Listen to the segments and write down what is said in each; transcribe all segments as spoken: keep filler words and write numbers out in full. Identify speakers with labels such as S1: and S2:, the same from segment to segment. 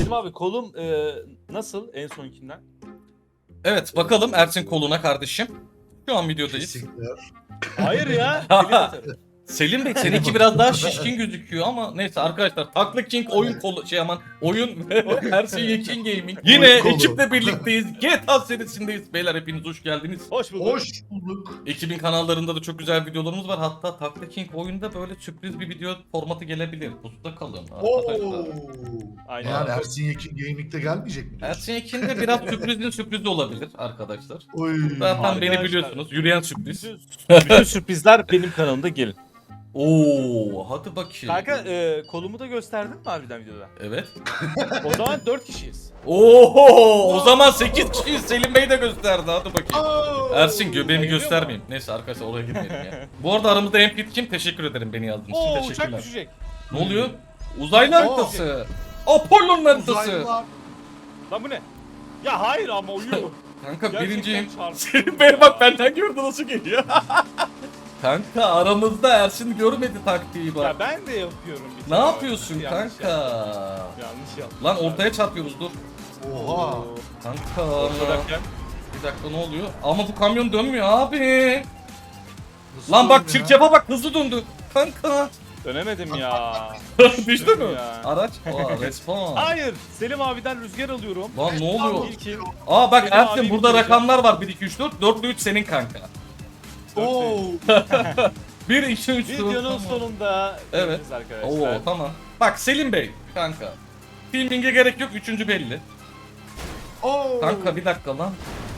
S1: Selim abi kolum e, nasıl en sonkinden?
S2: Evet bakalım Ersin koluna kardeşim. Şu an videodayız.
S3: Kesinlikler.
S1: Hayır ya. Selim atarım.
S2: Selim Bey seninki biraz daha şişkin gözüküyor ama neyse arkadaşlar Takla King oyun kolu şey aman oyun ve Ersin Yekin Gaming. Yine
S3: Oyun kolu.
S2: ekiple birlikteyiz. G T A serisindeyiz. Beyler hepiniz hoş geldiniz.
S1: Hoş bulduk.
S3: Hoş bulduk.
S2: Ekibin kanallarında da çok güzel videolarımız var. Hatta Takla King oyunda böyle sürpriz bir video formatı gelebilir. Pusuda kalın
S3: Oo.
S2: arkadaşlar.
S1: Aynen.
S3: Yani Ersin Yekin Gaming'de gelmeyecek mi? diyorsun?
S2: Ersin Yekin'de biraz sürprizin sürprizi olabilir arkadaşlar.
S3: Oy.
S2: Zaten beni
S1: Arkadaşlar.
S2: biliyorsunuz. Yürüyen sürpriz.
S1: Bütün, bütün sürprizler benim kanalımda gelin.
S2: Oo, hadi bakayım.
S1: Kanka e, kolumu da gösterdin mi harbiden videoda?
S2: Evet.
S1: O zaman dört kişiyiz.
S2: Oo, o zaman sekiz kişiyiz. Selim Bey de gösterdi. Hadi bakayım.
S3: Oo.
S2: Ersin göbeğimi
S1: Bayılıyor
S2: göstermeyeyim. Neyse arkadaşlar oraya girmeyelim ya. Bu arada aramızda en fit kim? Teşekkür ederim beni yazdığınız için.
S1: Oo uçak
S2: Teşekkürler.
S1: düşecek.
S2: Ne oluyor? Uzaylı
S3: Oo.
S2: haritası. Apollo'nun haritası.
S3: Uzaylılar.
S1: Lan bu ne? Ya hayır ama uyuyor.
S2: Kanka
S1: Gerçekten
S2: birinciyim.
S1: çarptı.
S2: Selim Bey bak benden gördü nasıl geliyor. Kanka aramızda Ersin görmedi taktiği bak.
S1: Ya ben de yapıyorum bir
S2: Ne
S1: kere.
S2: yapıyorsun
S1: Yanlış
S2: kanka?
S1: yaptım. Yanlış yaptım.
S2: Lan ortaya çarpıyoruz dur.
S3: Oha.
S2: Kanka.
S1: Ortadayken.
S2: Bir dakika ne oluyor? Ama bu kamyon dönmüyor abi.
S3: Nasıl
S2: Lan bak
S3: oldu ya?
S2: çirkefe bak hızlı döndü. Kanka.
S1: Dönemedim ya.
S2: Düştü mü?
S1: Ya.
S2: Araç. Aa respawn.
S1: Hayır. Selim abiden rüzgar alıyorum.
S2: Lan ne oluyor?
S1: İlkin.
S2: Aa bak
S1: Selim
S2: Ersin
S1: abi
S2: burada
S1: bitireceğim.
S2: rakamlar var. bir iki üç dört. dört üç senin kanka.
S3: Oo.
S2: bir iki üç dört.
S1: Videonun
S2: Tamam.
S1: sonunda
S2: Evet.
S1: göreceğiz arkadaşlar.
S2: Oo tamam. Bak Selim Bey kanka. Filming'e gerek yok. Üçüncü belli.
S3: Oo.
S2: Kanka bir dakika lan.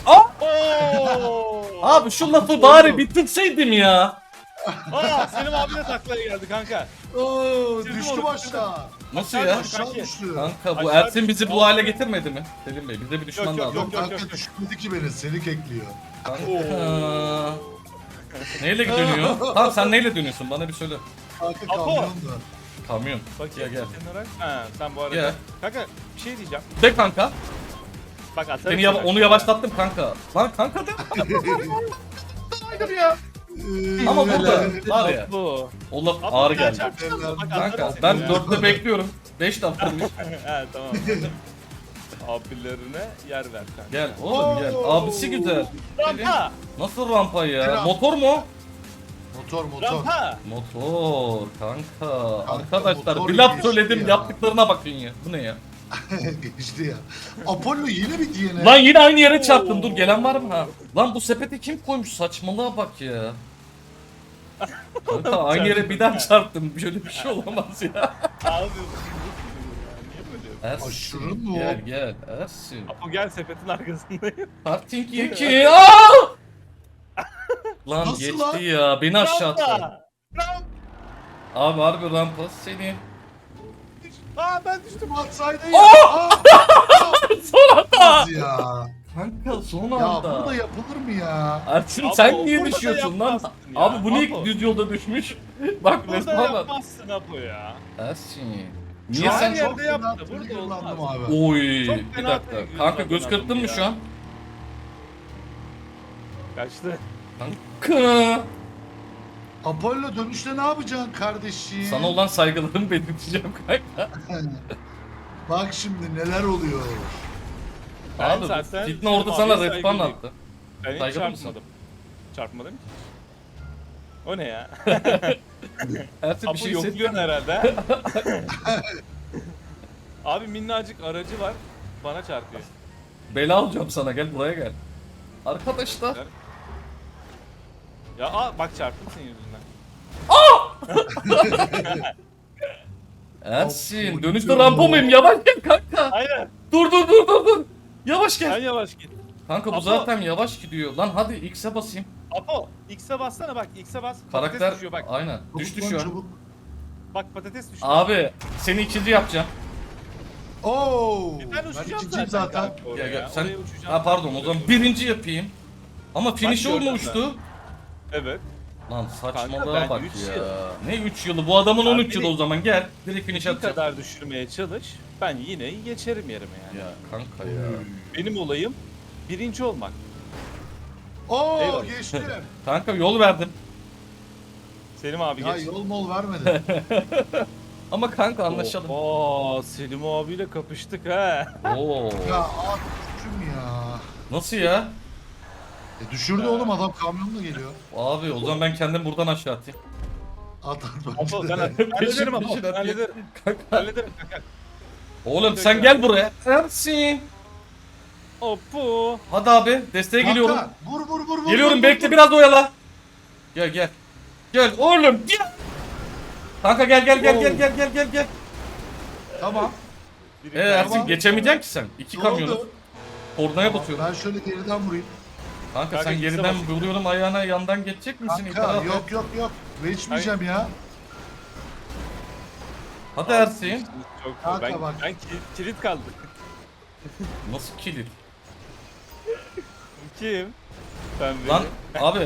S1: Oo!
S2: Abi şu lafı bari bitirseydim ya.
S1: Aa, Selim abi de taklaya geldi kanka.
S3: Oo.
S1: Bitirdim
S3: Düştü
S1: onu,
S3: aşağı.
S2: Nasıl
S1: Aşağı
S2: ya?
S1: düş.
S3: Aşağı düştü.
S2: Kanka bu
S1: Aşağı
S2: Ersin bizi
S1: düştü.
S2: bu hale getirmedi mi? Selim Bey bize bir düşman
S1: Yok, yok,
S2: lazım.
S1: yok.
S3: Yok kanka düşmedi ki beni. Seni kekliyor.
S2: Kanka. Neyle dönüyor? Tamam sen neyle dönüyorsun bana bir söyle.
S3: Kanka
S1: Apo.
S3: kamyon da.
S2: Kamyon.
S1: Bak
S2: Gel, gel.
S1: kenara. Ha, sen bu arada.
S2: Gel.
S1: Kanka bir şey diyeceğim.
S2: De kanka.
S1: Bak atarım.
S2: Seni yava-
S1: sana.
S2: onu yavaşlattım kanka. Lan kanka de. Hayır ya.
S3: Ee,
S2: Ama burada
S3: neler-
S2: var ya.
S1: Bu.
S2: O laf
S1: Abi,
S2: ağır
S1: bir daha
S2: geldi.
S1: çarpsana. Bak, atarım
S2: Kanka
S1: seni
S2: ben
S1: ya.
S2: dörtte bekliyorum. beş dakikamış.
S1: He tamam. Abilerine yer ver kanka.
S2: Gel oğlum gel. Abisi güzel.
S1: Rampa!
S2: Nasıl rampa ya?
S3: Rampa.
S2: Motor mu?
S3: Motor motor.
S1: Rampa!
S2: Motor kanka.
S3: Kanka,
S2: Arkadaşlar
S3: motor
S2: bir laf
S3: geçti
S2: söyledim
S3: ya.
S2: yaptıklarına bakın ya. Bu ne ya?
S3: Geçti ya. Apollo yine bir D N A.
S2: Lan yine aynı yere çarptım. Dur gelen var mı ha? Lan bu sepete kim koymuş? Saçmalığa bak ya. Kanka aynı yere bir daha çarptım. Şöyle bir şey olamaz ya.
S1: Abi niye böyle yapıyorsun?
S2: Ersin.
S3: Aşırı mı o?
S2: Gel gel Ersin.
S1: Apo gel sepetin arkasındayım.
S2: Parting iki. Aa! Lan
S3: Nasıl
S2: geçti
S3: lan?
S2: ya. Beni aşağı attı.
S1: Rampa! Rampa!
S2: Abi harbi rampa seni.
S1: Aa ben düştüm.
S3: Düştüm atsaydı ya.
S2: Oh!
S3: Aa!
S2: Son anda.
S3: Nasıl ya?
S2: Kanka son
S3: Ya
S2: anda.
S3: burada yapılır mı ya?
S2: Ersin
S1: Abi
S2: sen
S1: o
S2: niye
S1: burada da
S2: düşüyorsun lan?
S1: yapmazsın ya.
S2: Abi bu niye
S1: Apo.
S2: düz yolda düşmüş? Bak
S1: Burada
S2: resmen lan.
S1: yapmazsın Apo ya.
S2: Ersin.
S3: Şu
S2: Niye
S3: an
S2: sen...
S1: yerde
S3: çok
S1: yaptı,
S3: fena
S1: burada
S3: triggerlandım
S1: olmaz.
S3: abi.
S2: Oy
S1: Çok
S2: bir
S1: fena
S2: dakika.
S1: triggerladın
S2: Kanka göz
S1: adamı
S2: kırptın mı
S1: ya.
S2: şu an?
S1: Kaçtı.
S2: Kanka.
S3: Apollo dönüşte ne yapacaksın kardeşim?
S2: Sana olan saygılarımı belirteceğim kanka.
S3: Bak şimdi neler oluyor.
S1: Ben
S2: Abi
S1: zaten
S2: Fitne orada
S1: Selim
S2: sana
S1: abiye
S2: respawn
S1: saygılıyım.
S2: attı.
S1: Ben hiç
S2: Saygılı mısın?
S1: çarpmadım. Çarpmadım ki. O ne ya?
S2: Ersin bir
S1: Apo
S2: şey
S1: yokluyorsun
S2: hissettin.
S1: herhalde. Abi minnacık aracı var. Bana çarpıyor.
S2: Bela alacağım sana gel buraya gel. Arkadaşlar.
S1: Ya aa bak çarptım senin yüzünden.
S2: Ersin
S3: Apo,
S2: dönüşte
S3: gidiyor.
S2: rampa mıyım? Yavaş gel kanka.
S1: Hayır.
S2: Dur dur dur dur dur. Yavaş
S1: Sen
S2: gel.
S1: yavaş git.
S2: Kanka bu
S1: Apo.
S2: zaten yavaş gidiyor. Lan hadi X'e basayım.
S1: Apo X'e bassana bak X'e bas. Patates
S2: Karakter
S1: düşüyor bak.
S2: aynen.
S3: Çabuk
S2: Düştü
S3: lan,
S2: şu an.
S3: çabuk.
S1: Bak patates düşüyor.
S2: Abi seni ikinci yapacağım.
S3: Oo.
S1: Ben
S3: Ben
S1: uçacağım
S3: ikinciyim
S1: zaten.
S3: zaten.
S1: kanka oraya.
S2: Gel gel sen.
S1: Oraya uçacağım.
S2: Ha pardon o zaman birinci yapayım. Ama finish
S1: gördüm
S2: olmuştu.
S1: Evet.
S2: Lan
S1: Kanka,
S2: saçmalığa
S1: ben
S2: bak
S1: üç
S2: ya.
S1: yıl.
S2: Ne üç yılı? Bu adamın on üç
S1: Abi,
S2: yılı o zaman gel. Direkt finish
S1: Ne
S2: atacağım.
S1: kadar düşürmeye çalış. Ben yine geçerim yerime yani.
S2: Ya kanka ya.
S1: Benim olayım birinci olmak.
S3: Oo
S1: Eyvallah.
S3: geçtim.
S2: Kanka yol verdim.
S1: Selim abi
S3: Ya
S1: geç.
S3: yol mol vermedi.
S2: Ama kanka anlaşalım.
S1: Oo, Selim abiyle kapıştık ha.
S2: Oo.
S3: Ya abi düştüm ya.
S2: Nasıl ya?
S3: E düşürdü oğlum adam kamyonla geliyor.
S2: Abi o zaman ben kendim buradan aşağı atayım.
S3: At at
S1: Apo ben
S3: bence de.
S1: hallederim Apo.
S2: peşin atıyor.
S1: Hallederim.
S2: Kanka.
S1: Hallederim kanka.
S2: Oğlum sen gel buraya. Ersin.
S1: Apo.
S2: Hadi abi desteğe geliyorum.
S3: Kanka, vur vur vur vur.
S2: Geliyorum
S3: vur,
S2: bekle
S3: vur.
S2: biraz oyala. Gel gel. Gel oğlum gel. Kanka gel gel gel gel gel gel gel gel.
S3: Tamam.
S1: Biri
S2: Ee Ersin
S3: Tamam.
S2: geçemeyeceksin ki sen. İki
S3: Ne
S2: kamyonu.
S3: oldu?
S2: Kornaya basıyorum.
S3: Ben şöyle geriden vurayım.
S2: Kanka
S1: Kanka,
S2: sen
S1: ikisi
S2: geriden
S1: basıyor.
S2: vuruyorum ayağına yandan geçecek misin?
S3: Kanka
S2: İtiraf et.
S3: yok yok yok. Geçmeyeceğim ya.
S2: Hadi Ersin.
S1: Çok
S3: Kanka
S1: ben,
S3: bak.
S1: ben kilit, kilit kaldım.
S2: Nasıl kilit?
S1: Kim? Sen
S2: Lan
S1: beni.
S2: abi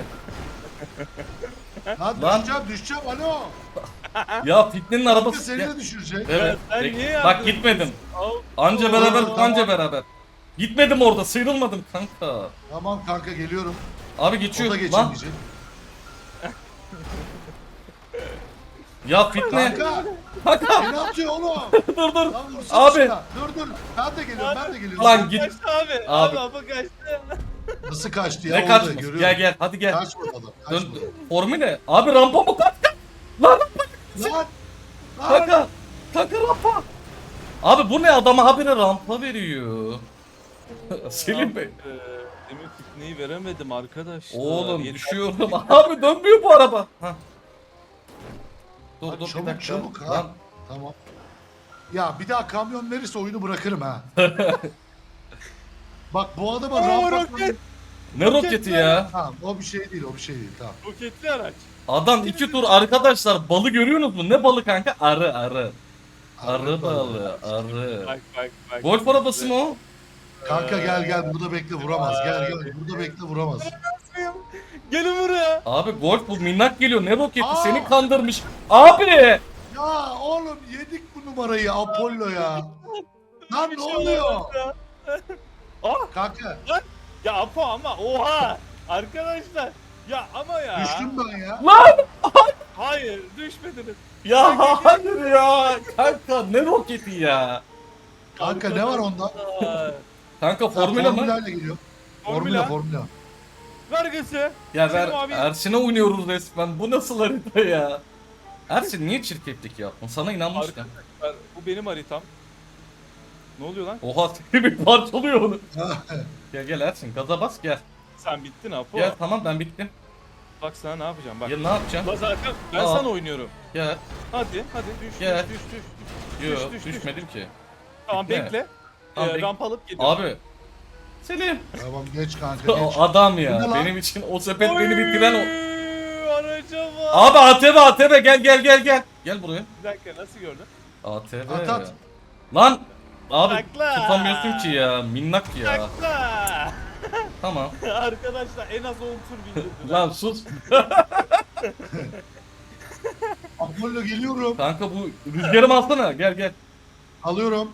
S3: Lan,
S2: Lan.
S3: düşeceğim düşeceğim alo.
S2: ya Fitne'nin
S3: Kanka
S2: arabası.
S3: seni
S2: Gel.
S3: de düşürecek.
S2: Evet.
S1: Sen
S2: bek-
S1: niye
S2: Bak
S1: yaptın?
S2: gitmedim.
S1: Al.
S2: Anca
S3: Oo,
S2: beraber,
S3: tamam.
S2: anca beraber. Gitmedim orada, sıyrılmadım kanka.
S3: Tamam kanka geliyorum.
S2: Abi
S3: O da
S2: geçiyor. Lan
S3: geçemeyecek.
S2: ya Fitne.
S3: Kanka
S2: Kanka
S3: beni atıyor oğlum.
S2: dur dur.
S3: Lan vursana
S2: Abi.
S3: şuna. Dur dur. Ben de geliyorum ben de geliyorum.
S2: Lan git.
S1: Kaçtı abi.
S2: Abi.
S1: Abi Apo kaçtı.
S3: Nasıl kaçtı ya?
S2: Ne
S3: Orada
S2: kaçmış?
S3: görüyorum.
S2: Gel gel hadi gel.
S3: Kaçmadı adam.
S2: Dön.
S3: Kaçmadı.
S2: Formüle. Abi rampa mı kaç? Lan
S3: Lan. Lan.
S2: kanka. Kanka rampa. Abi bu ne, adama habire rampa veriyor. Selim Bey.
S1: Ee, Demin fitneyi veremedim arkadaşlar.
S2: Oğlum
S1: Yeter.
S2: düşüyorum. Abi dönmüyor bu araba. Hah. Dur
S3: Lan
S2: dur bir
S3: çabuk
S2: dakika.
S3: çabuk ha.
S2: Lan,
S3: Tamam. Ya bir daha kamyon verirse oyunu bırakırım ha. Bak bu adama
S1: Oo,
S3: rampa...
S1: roket.
S2: ne roketi ya?
S3: Tamam o bir şey değil o bir şey değil tamam.
S1: Roketli araç.
S2: Adam iki tur arkadaşlar, balı görüyorsunuz mu? Ne balı kanka? Arı arı. Arı balı arı.
S1: Bak bak bak.
S2: Golf arabası mı o?
S3: Kanka gel gel burada bekle vuramaz gel gel burada bekle vuramaz.
S1: Gelin buraya.
S2: Abi golf bu, minnak geliyor, ne roketi,
S3: Aa!
S2: seni kandırmış. Abi!
S3: Ya oğlum yedik bu numarayı Apollo ya. Lan
S1: Bir
S3: ne
S1: şey
S3: oluyor?
S1: olamaz ya. Ah
S3: Kanka
S1: ya Apo ama oha. Arkadaşlar. Ya ama ya.
S3: düştüm ben ya.
S2: Lan!
S1: Hayır düşmediniz.
S2: Ya hayır ya! Kanka ne roketi ya?
S3: Kanka ne var onda?
S1: Aa,
S2: Kanka
S3: Ha,
S2: formüle mi?
S3: Formülerle geliyor. Formüla
S1: Formüla.
S3: formüla.
S1: Vergisi.
S2: Ya
S1: Selim
S2: ver,
S1: abi-
S2: Ersin'e oynuyoruz resmen. Bu nasıl harita ya? Ersin niye çirkeflik yaptın? Sana inanmıştım.
S1: Arkadaşlar bu benim haritam. Ne oluyor lan?
S2: Oha seni bir parçalıyor onu. Gel gel Ersin, gaza bas gel.
S1: Sen bittin Apo.
S2: Gel tamam, ben bittim.
S1: Bak sana ne yapacağım bak.
S2: Ya ne yapacağım?
S1: La zaten ben
S2: Aa.
S1: sana oynuyorum.
S2: Gel.
S1: Hadi hadi düş
S2: Gel.
S1: düş düş düş.
S2: Yok
S1: düş, düş, düş.
S2: düşmedim ki.
S1: Tamam
S2: Gitme.
S1: bekle.
S2: Tamam,
S1: ee,
S2: bek-
S1: ramp alıp geliyorum.
S2: Abi. Selim.
S3: Tamam geç kanka
S2: O
S3: geç.
S2: adam
S3: Bu
S2: ya.
S3: ne lan?
S2: Benim için o sepet beni bitiren o.
S1: Araca bak.
S2: Abi A T V A T V gel gel gel gel. Gel buraya.
S1: Bir dakika nasıl gördün?
S2: A T V.
S3: At, at.
S2: Lan. Abi
S1: Takla.
S2: tutamıyorsun ki ya. Minnak ya.
S1: Takla.
S2: Tamam.
S1: Arkadaşlar en az on tur bindirdim.
S2: Lan sus.
S3: Apollo geliyorum.
S2: Kanka bu rüzgarımı alsana. Gel gel.
S3: Alıyorum.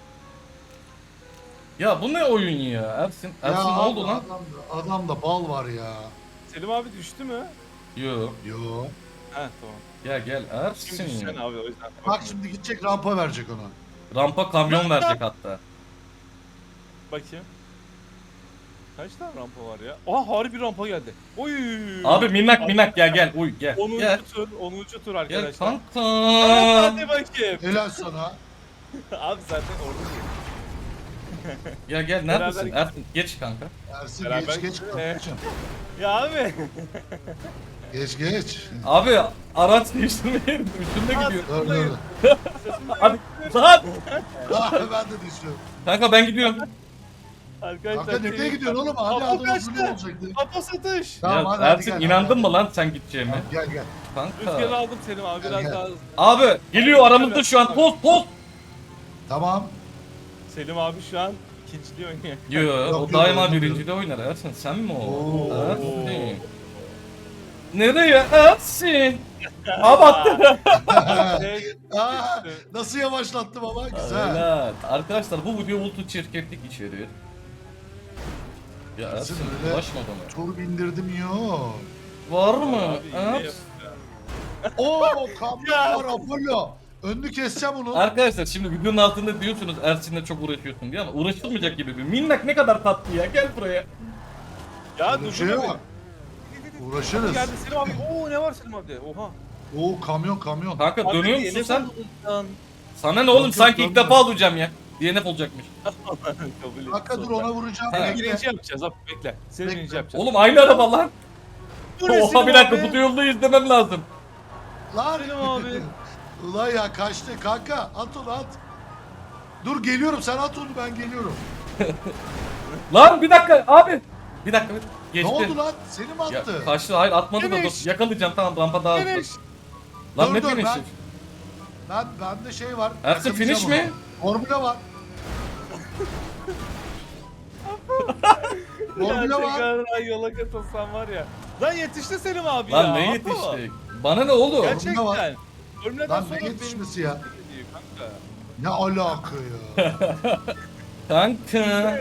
S2: Ya bu ne oyun ya? Ersin. Ersin
S3: ya
S2: ne oldu
S3: abi,
S2: lan?
S3: Adamda, adamda bal var ya.
S1: Selim abi düştü mü?
S2: Yo.
S3: Yo.
S1: Heh tamam.
S2: Gel gel
S1: Şimdi
S2: Ersin.
S1: düşeceksin abi o yüzden.
S3: Bak şimdi gidecek rampa verecek ona.
S2: Rampa kamyon verecek hatta.
S1: Bakayım. Kaç tane rampa var ya? Aa harbi rampa geldi. Oy.
S2: Abi minnak minnak gel gel. Uy gel.
S1: onuncu
S2: Gel.
S1: tur, onuncu tur
S2: Gel
S1: arkadaşlar.
S2: kanka.
S1: Hadi bakayım.
S3: Helal sana.
S1: Abi zaten orada değil.
S2: Gel gel neredesin?
S1: Beraber-
S2: Ersin geç kanka.
S3: Ersin
S1: Beraber
S3: geç geç.
S1: gidelim.
S3: kankacığım.
S1: Ya abi.
S3: Geç geç.
S2: Abi araç değiştirmeye üstünde gidiyor.
S3: Dur dur.
S2: Hadi lan.
S3: Ah ben de düşüyorum.
S2: Kanka ben gidiyorum.
S1: Arkadaşlar.
S3: Kanka nereye
S1: senin-
S3: gidiyorsun oğlum? Hadi
S1: Apo
S3: adam
S1: kaçtı.
S3: uzun olacaktı.
S1: Apo satış.
S3: Tamam,
S2: Ya
S3: hadi, hadi
S2: Ersin
S3: gel,
S2: inandın
S3: hadi.
S2: mı lan sen gideceğime?
S3: Gel gel.
S1: Rüzgarı
S2: Kanka.
S1: aldım Selim abi biraz
S3: Gel, gel.
S1: daha.
S2: Abi geliyor aramızda şu an. Poz poz.
S3: Tamam.
S1: Selim abi şu an ikinciliği oynuyor.
S2: Yo
S3: Yok,
S2: o
S3: yok,
S2: daima
S3: oynamıyor.
S2: birincide oynar Ersin, sen mi o?
S3: Oo.
S2: Ersin. Nereye Ersin? Abi attı.
S1: Şey,
S3: Aa, nasıl yavaşlattım ama güzel.
S2: Evet. Arkadaşlar bu video ultu çirkeflik içeriyor. Ya
S3: Ersin
S2: Ersin
S3: öyle-
S2: ulaşma bana.
S3: Tur bindirdim yok.
S2: Var mı?
S1: abi, yine
S2: Ersin.
S1: yapıyor.
S3: Oo kamyon
S1: Ya.
S3: var Apollo. Önünü keseceğim onu.
S2: Arkadaşlar şimdi videonun altında diyorsunuz Ersin'le çok uğraşıyorsun diye ama uğraşılmayacak gibi bir. Minnak ne kadar tatlı ya, gel buraya.
S1: Ya
S3: Öyle bir
S1: dur
S3: şey
S1: dur.
S3: yok. Uğraşırız.
S1: Geldi Selim abi. Oo ne var Selim abi? Oha.
S3: Oo kamyon kamyon.
S2: Kanka
S1: Abi,
S2: dönüyor musun
S1: D N F
S2: sen?
S1: oldu.
S2: Sana ne oğlum,
S3: yok,
S2: sanki ilk
S3: dönmüyor.
S2: defa alacağım ya. D N F olacakmış.
S1: Kabul et.
S3: Kanka dur ona vuracağım.
S2: Ha.
S3: Bekle.
S1: Birinci yapacağız abi bekle. Seni
S3: Bekle.
S1: birinci yapacağız.
S2: Oğlum aynı araba lan.
S1: Bu ne
S2: Oha
S1: Selim
S2: bir dakika,
S1: abi?
S2: bu yolda izlemem lazım.
S3: Lan.
S1: Selim abi.
S3: Ulan ya kaçtı kanka. At onu at. Dur geliyorum, sen at onu, ben geliyorum.
S2: Lan bir dakika abi. Bir dakika. Geçti.
S3: Ne oldu lan? Seni mi
S2: Ya,
S3: attı?
S2: kaçtı, hayır atmadı da
S1: Finish.
S2: dur. Yakalayacağım, tamam, rampa daha hızlı.
S1: Finish.
S2: Lan
S3: Dur,
S2: ne
S3: dur,
S2: finish'i?
S3: ben- Ben bende şey var.
S2: Ersin,
S3: yakalayacağım
S2: finish
S3: onu.
S2: mi?
S3: Formula var. Formula var.
S1: Gerçekten yola katılsam var ya. Lan yetişti Selim abi ya.
S2: Lan ne yetiştik? Bana ne oğlum?
S1: Gerçekten.
S3: Formula var.
S1: Formülden
S3: Lan
S1: sonra
S3: ne
S1: benim-
S3: yetişmesi ya?
S1: Kanka.
S3: Ne alaka ya?
S2: Kanka.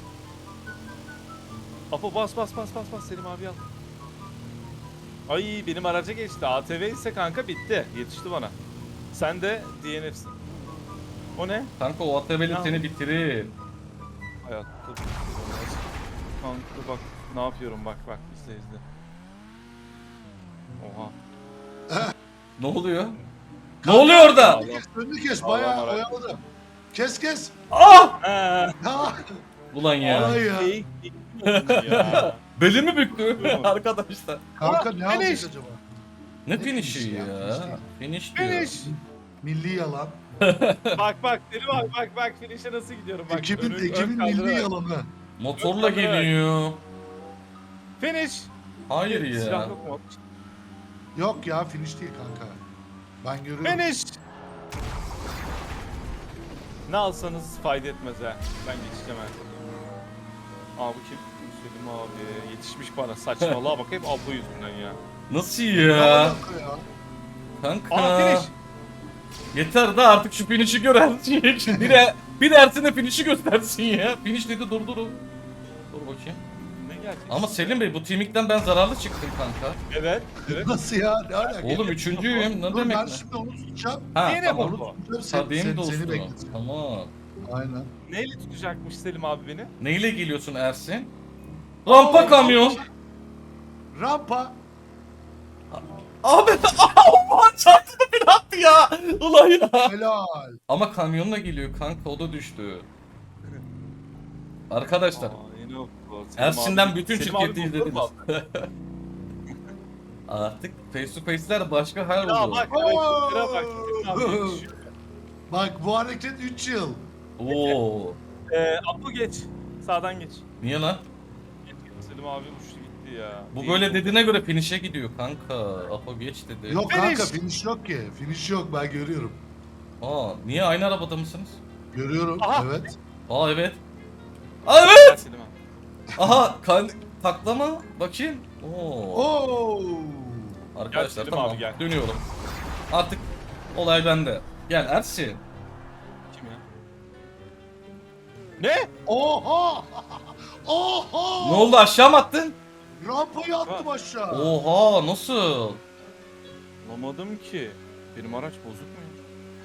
S1: Apo bas bas bas bas bas Selim abi al. Ay benim araca geçti. A T V ise kanka bitti. Yetişti bana. Sen de D N F'sin. O ne?
S2: Kanka o Atabeli
S1: Ya.
S2: seni bitirir.
S1: Hayatta. Kanka bak ne yapıyorum bak bak izle izle. Oha.
S2: Ne oluyor? Ne oluyor orada?
S3: Önünü kes, önünü kes.
S1: Allah
S3: Bayağı
S1: Allah.
S3: oyaladım. Kes kes.
S2: Ah!
S1: Ha.
S3: Ya.
S2: Ulan ya.
S3: Ay ya.
S1: Fake oldu ya.
S2: Belimi büktü
S1: Buyurun.
S2: arkadaşlar.
S3: Kanka
S1: Aa,
S3: ne alacak
S1: finish.
S3: acaba?
S2: Ne
S3: Ne
S2: finish'i
S3: finish ya?
S2: ya? Finish diyor.
S1: Finish.
S3: Milli yalan.
S1: Bak bak Selim abi bak bak finish'e nasıl gidiyorum bak.
S3: Ekibin,
S1: Önü-
S3: ekibin
S1: ön
S3: milli
S1: kaldırarak.
S3: yalanı.
S2: Motorla
S1: Ön kaldırarak.
S2: geliyor.
S1: Finish.
S2: Hayır
S1: Silah
S2: ya.
S1: yok mu?
S3: Yok ya, finish değil kanka. Ben görüyorum.
S1: Finish. Ne alsanız fayda etmez ha. Ben geçeceğim her. Aa bu kim? Selim abi yetişmiş bana saçmalığa bakayım Apo yüzünden ya.
S2: Nasıl
S3: Ne
S2: ya?
S3: alaka ya?
S2: Kanka.
S1: Aa finish.
S2: Yeter da artık şu finish'i gör Ersin. Bir, de, bir de Ersin'e finish'i göstersin ya. Finish dedi, dur dur. Dur bakayım.
S1: Ne gelecek?
S2: Ama Selim Bey bu teamikten ben zararlı çıktım kanka.
S1: Evet. Evet.
S3: Nasıl ya? Ne alaka?
S2: Oğlum üçüncüyüm, ne
S3: Dur
S2: demek
S3: ben
S2: ne?
S3: şimdi onu tutacağım.
S2: Ha
S1: Yine
S2: tamam.
S1: bu.
S3: Onu tutacağım. Sen,
S2: Tabii mi
S3: sen,
S2: dostum?
S3: seni bekleteceğim.
S2: Tamam.
S3: Aynen.
S1: Neyle tutacakmış Selim abi beni?
S2: Neyle geliyorsun Ersin? Rampa
S3: Oo,
S2: kamyon.
S3: Rampa.
S2: Abi aman çarptı da bir attı ya. Ulan ya.
S3: Helal.
S2: Ama kamyonla geliyor kanka, o da düştü. Arkadaşlar
S1: Aa, yine o- o Selim
S2: Ersin'den
S1: abi-
S2: bütün
S1: Selim abi
S2: şirketi
S1: buldu mu
S2: izlediniz.
S1: abi?
S2: Artık face to face'ler başka hal
S1: Ya
S2: oldu.
S1: bak
S3: Oo.
S1: hareketlere bak. Selim abi yetişiyor.
S3: Bak bu hareket üç yıl.
S2: Oo.
S1: Ee, Apo geç. Sağdan geç.
S2: Niye lan?
S1: Geç geç. Selim abi uçtu gitti ya.
S2: Bu
S1: Değil.
S2: böyle dediğine göre finish'e gidiyor kanka. Apo geç dedi.
S3: Yok
S1: Finish.
S3: kanka, finish yok ki. Finish yok, ben görüyorum.
S2: Aa, niye aynı arabada mısınız?
S3: Görüyorum,
S1: Aha.
S3: evet.
S2: Aa evet. Aa evet.
S1: Gel Selim abi.
S2: Aha kan taklama bakayım. Oo.
S3: Oo.
S2: Arkadaşlar
S1: Gel Selim
S2: tamam
S1: abi, gel.
S2: dönüyorum. Artık olay bende. Gel Ersin.
S1: Kim ya? Ne?
S3: Oha! Oha!
S2: Ne oldu, aşağı mı attın?
S3: Rampayı attım aşağı.
S2: Oha nasıl?
S1: Anlamadım ki. Benim araç bozuk mu ya?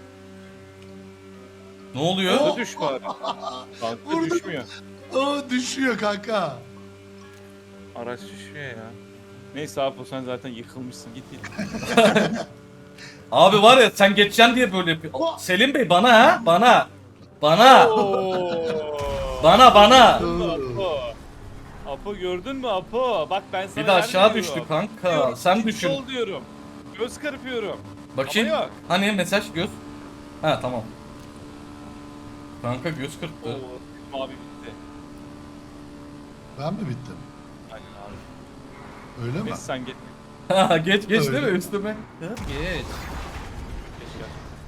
S2: Ne oluyor?
S3: Oh.
S1: Hadi düş bari. Kanka
S3: Vurdum.
S1: düşmüyor.
S3: Aa, düşüyor kanka.
S1: Araç düşüyor ya. Neyse abi sen zaten yıkılmışsın git git.
S2: Abi var ya sen geçeceksin diye böyle yapıyor.
S3: Oh.
S2: Selim Bey bana ha? Bana. Bana.
S1: Oo.
S2: Bana bana.
S1: Apo. Apo gördün mü Apo? Bak ben sana
S2: Bir de aşağı
S1: yer
S2: düştü
S1: veriyorum.
S2: kanka.
S1: Diyorum,
S2: Sen
S1: git
S2: düşün.
S1: Sol diyorum. Göz kırpıyorum.
S2: Bakayım.
S1: Ama yok.
S2: Hani mesaj göz. Ha tamam. Kanka göz
S1: Oo,
S2: kırptı.
S1: Selim abi bitti.
S3: Ben mi bittim?
S1: Aynen abi.
S3: Öyle mi?
S1: Neyse sen git.
S2: Ha geç geç
S3: Öyle.
S2: değil mi üstüme? Geç.
S1: Geç gel.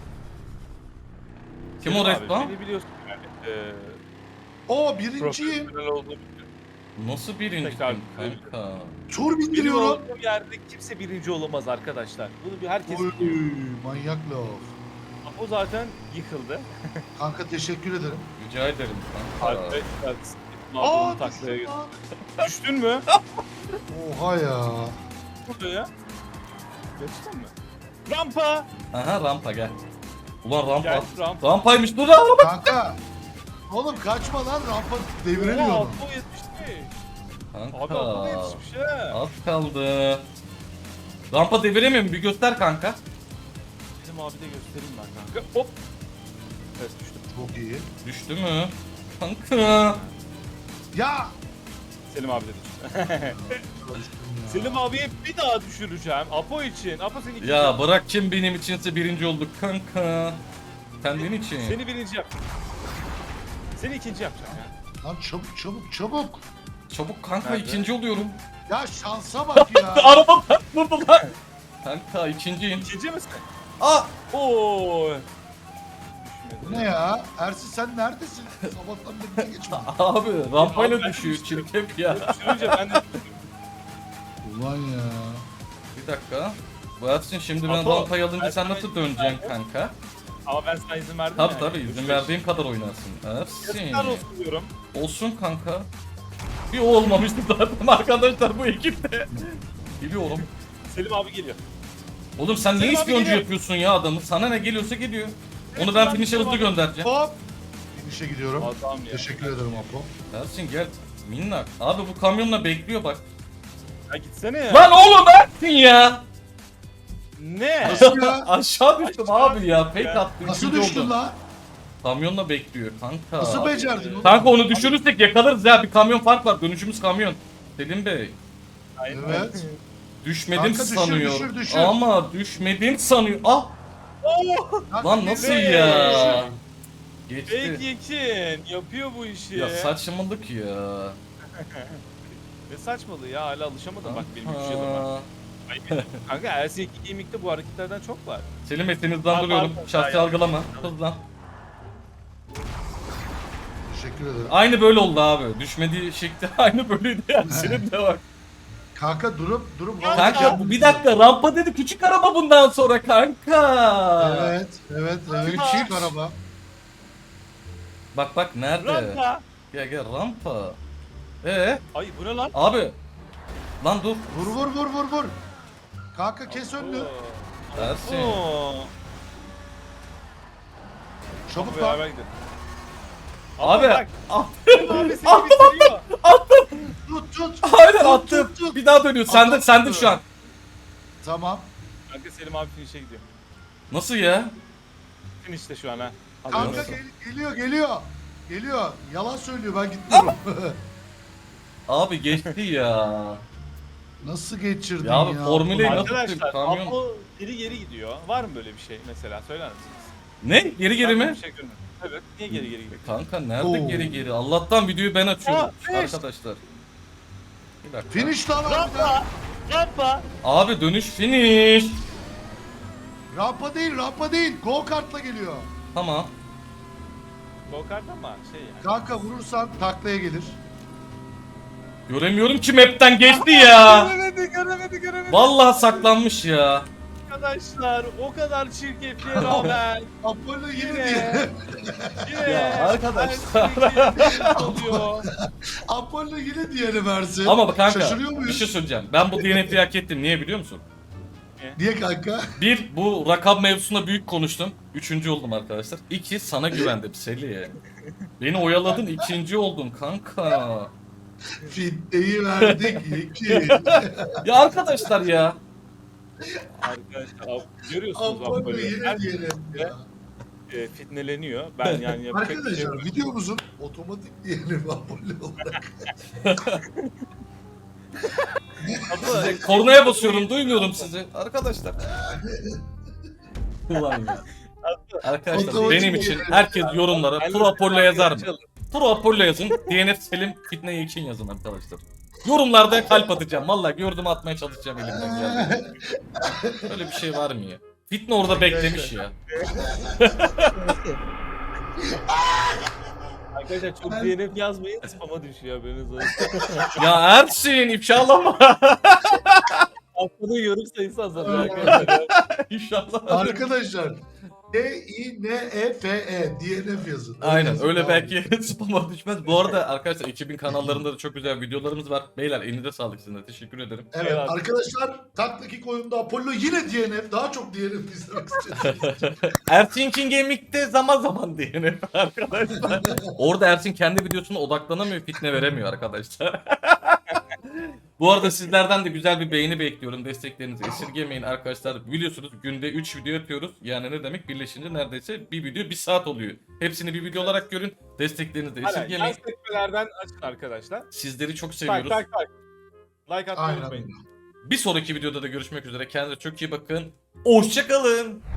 S2: Kim
S1: Selim
S2: o
S1: abi,
S2: resmen?
S1: Beni biliyorsun yani. Eee
S3: Oo, birinciyim.
S1: profesyonel olduğum
S2: Nasıl birinci
S1: Tekrar-
S2: kanka?
S3: Tur
S1: Benim
S3: bindiriyorum.
S1: olduğum yerde kimse birinci olamaz arkadaşlar. Bunu bir herkes
S3: Oy,
S1: biliyor.
S3: manyak laf.
S1: O zaten yıkıldı.
S3: Kanka teşekkür ederim.
S2: Rica ederim kanka.
S1: Arkadaşlar
S3: Aa,
S1: Aa, taklaya
S3: düştüm
S1: girdi.
S3: lan.
S1: Düştün mü?
S3: Oha ya.
S1: Burada ya. Geçtin mi? Rampa.
S2: Aha rampa gel. Ulan rampa.
S1: Gel, rampa.
S2: Rampaymış dur araba.
S3: Kanka. Oğlum kaçma lan rampa deviremiyorum.
S1: Oha, Apo yetişmiş. Abi Apo da
S2: Kanka.
S1: yetişmiş he.
S2: Az kaldı. Rampa deviremiyor mu? Bir göster kanka.
S1: Bizim abi de göstereyim ben kanka. Hop. Evet düştüm.
S3: Çok iyi.
S2: Düştü mü? Kanka.
S3: Ya.
S1: Selim abi de düştü. Selim abiye bir daha düşüreceğim. Apo için. Apo seni ikinci
S2: Ya
S1: yap.
S2: bırak kim benim içinse birinci olduk kanka. Kendin için.
S1: Seni birinci yap. Seni ikinci yapacağım ya.
S3: Lan çabuk çabuk çabuk.
S2: Çabuk kanka
S1: Nerede?
S2: ikinci oluyorum.
S3: Ya şansa bak ya.
S2: Araba vurdu lan. Kanka ikinciyim.
S1: İkinci misin?
S2: Aa!
S1: Oo.
S3: Bu ne ya? Ersin sen neredesin? Sabahtan beri niye geçmedin?
S2: Abi rampayla
S1: Abi ben
S2: düşüyor
S1: düştüm.
S2: çirkef ya.
S1: Düşürünce ben de düştüm.
S3: Ulan ya.
S2: Bir dakika. Bu Ersin şimdi ben
S1: Apo,
S2: rampayı alınca sen
S1: Ersin
S2: nasıl
S1: ben-
S2: döneceksin kanka?
S1: Ama ben sana izin verdim
S2: Tabi
S1: ya.
S2: tabi izin verdiğim kadar oynarsın. Ersin.
S1: Yazıklar olsun diyorum.
S2: Olsun kanka. Bir o olmamıştı zaten arkadaşlar bu ekipte. Biliyorum.
S1: Selim abi geliyor.
S2: Oğlum sen
S1: Selim
S2: niye
S1: abi
S2: ispiyoncu
S1: geliyor.
S2: yapıyorsun ya adamı? Sana ne geliyorsa geliyor. Onu
S1: Evet,
S2: ben
S1: ben
S2: finish'e
S1: Selim
S2: hızlı
S1: abi-
S2: göndereceğim.
S3: Hop. İnişe gidiyorum.
S1: Adam ya.
S3: Teşekkür ederim Apo.
S2: Ersin gel. Minnak. Abi bu kamyonla bekliyor bak.
S1: Ya gitsene ya.
S2: Lan oğlum Ersin ya.
S1: Ne?
S3: Nasıl ya?
S2: Aşağı düştüm
S1: Aşağı
S2: abi ya. Fake
S1: ya.
S2: attım.
S3: Nasıl
S2: üçüncü
S3: düştün
S2: oldum.
S3: lan?
S2: Kamyonla bekliyor kanka.
S3: Nasıl becerdin oğlum?
S2: Kanka onu düşürürsek yakalarız ya. Bir kamyon fark var. Dönüşümüz kamyon. Selim Bey.
S1: Aynen.
S3: Evet.
S2: Düşmedim
S3: Kanka düşür,
S2: sanıyor.
S3: düşür, düşür.
S2: Ama düşmedim sanıyor. Ah
S1: Oo.
S2: lan nasıl
S1: Ne?
S2: ya?
S1: Fake
S2: Geçti.
S1: Yekin yapıyor bu işi.
S2: Ya saçmalık ya.
S1: Ne saçmalığı ya, hala alışamadım bak benim üç yılım var.
S2: Aa.
S1: Ay, benim- Kanka Ersin Gaming'de bu hareketlerden çok var.
S2: Selim Bey seni hızlandırıyorum.
S1: Pardon,
S2: Şahsi
S1: hayır.
S2: algılama. Hızlan.
S3: Teşekkür ederim.
S2: Aynı böyle oldu abi. Düşmediği şekli aynı böyleydi yani. Senin de bak.
S3: Kanka durup durup
S2: Kanka bu bir dakika rampa dedi küçük araba bundan sonra kanka.
S3: Evet, evet, evet.
S2: Küçük.
S3: Küçük araba.
S2: Bak bak nerede?
S1: Rampa.
S2: Gel gel rampa. Ee
S1: Ay bu ne lan?
S2: abi. Lan dur.
S3: Vur vur vur vur vur. Kanka kes önünü.
S2: Ersin.
S1: Oo.
S3: Çabuk
S1: Beraber
S3: lan.
S1: gidelim.
S2: Abi.
S1: bak.
S2: Ah,
S1: Abi seni bitiriyor.
S3: Tut tut.
S2: aynen
S3: Tut,
S2: attım.
S3: tut, tut.
S2: Bir daha dönüyor. Sende
S3: Attım.
S2: sende şu an.
S3: Tamam.
S1: Kanka Selim abi finish'e gidiyor.
S2: Nasıl ya?
S1: Finish'te şu an ha. Hadi
S3: Kanka
S1: bakalım.
S3: gel- geliyor geliyor. Geliyor. Yalan söylüyor ben gitmiyorum.
S2: Abi geçti ya.
S3: Nasıl geçirdin
S2: Ya
S3: ya?
S2: abi, Formula nasıl
S1: Arkadaşlar
S2: kamyon?
S1: Apo geri geri gidiyor. Var mı böyle bir şey mesela, söyler misiniz?
S2: Ne? Geri geri
S1: Ben
S2: mi?
S1: böyle bir şey görmedim. Evet. Niye geri geri gidiyor?
S2: Kanka nerede
S3: Oo.
S2: geri geri? Allah'tan videoyu ben açıyorum
S1: Aa, finish.
S2: arkadaşlar. Bir dakika.
S3: Finish lan harbiden.
S1: Rampa. Rampa.
S2: Abi dönüş finish.
S3: Rampa değil rampa değil. Go kartla geliyor.
S2: Tamam.
S1: Go kart ama şey yani.
S3: Kanka vurursan taklaya gelir.
S2: Göremiyorum ki map'ten geçti ya.
S1: Göremedi, göremedi, göremedi.
S2: Vallahi saklanmış ya.
S1: Arkadaşlar o kadar çirkefliğe rağmen
S3: Apollo yine
S1: Yine.
S3: diye.
S1: yine
S2: Ya arkadaşlar.
S1: Ersin oluyor.
S3: Apollo yine diğeri versin.
S2: Ama bak kanka
S3: Şaşırıyor
S2: bir
S3: muyuz?
S2: şey söyleyeceğim. Ben bu D N F'yi hak ettim. Niye biliyor musun?
S3: Niye kanka?
S2: Bir, bu rakam mevzusunda büyük konuştum. Üçüncü oldum arkadaşlar. İki, sana güvendim Seli. Beni oyaladın, ikinci oldun kanka.
S3: Fitneyi verdik iki.
S2: Ya arkadaşlar ya.
S1: Arkadaşlar Ap- görüyorsunuz
S3: Apollo
S1: Apollo'yu.
S3: yine
S1: Her
S3: diğeri. Ya.
S1: e, fitneleniyor. Ben yani yapacak bir şey
S3: Arkadaşlar
S1: yok.
S3: videomuzun otomatik diyelim Apollo olarak.
S1: Apo,
S2: Kornaya basıyorum, duymuyorum sizi. Arkadaşlar. Ulan ya. Arkadaşlar
S3: Otomatik
S2: benim için
S3: diyelim.
S2: herkes yorumlara
S1: Ben de
S2: Pro Apollo
S1: Selim
S2: yazar
S1: abi
S2: mı?
S1: çalın.
S2: Pro Apollo yazın. D N F Selim Fitne için yazın arkadaşlar. Yorumlarda kalp atacağım. Vallahi gördüm atmaya çalışacağım elimden geldi. Öyle bir şey var mı ya? Fitne orada beklemiş ya.
S1: Arkadaşlar çok D N F yazmayın, spam'a düşüyor haberiniz olsun.
S2: Ya Ersin ifşalama.
S1: Haftada yorum sayısı azalıyor arkadaşlar.
S2: İnşallah.
S3: Arkadaşlar D I N E F E. D N F yazın.
S2: Aynen
S3: yazın,
S2: öyle
S3: tamam.
S2: belki spama düşmez. Bu arada arkadaşlar ekibin kanallarında da çok güzel videolarımız var. Beyler elinize sağlık sizin de. Teşekkür ederim.
S3: Evet
S1: Eyvallah.
S3: arkadaşlar taktaki oyunda Apollo yine D N F. Daha çok D N F izlemek istiyorsanız.
S2: Ersin King Gaming'de zaman zaman diyelim arkadaşlar. Orada Ersin kendi videosuna odaklanamıyor, fitne veremiyor arkadaşlar. Bu arada sizlerden de güzel bir beğeni bekliyorum. Desteklerinizi esirgemeyin arkadaşlar. Biliyorsunuz günde üç video yapıyoruz. Yani ne demek? Birleşince neredeyse bir video bir saat oluyor. Hepsini bir video olarak görün. Desteklerinizi de
S1: Aynen. Yan
S2: esirgemeyin.
S1: sekmelerden açın arkadaşlar.
S2: Sizleri çok
S1: Tak
S2: seviyoruz.
S1: tak tak. Like atmayı
S3: Aynen.
S1: unutmayın.
S2: Bir sonraki videoda da görüşmek üzere. Kendinize çok iyi bakın. Hoşçakalın.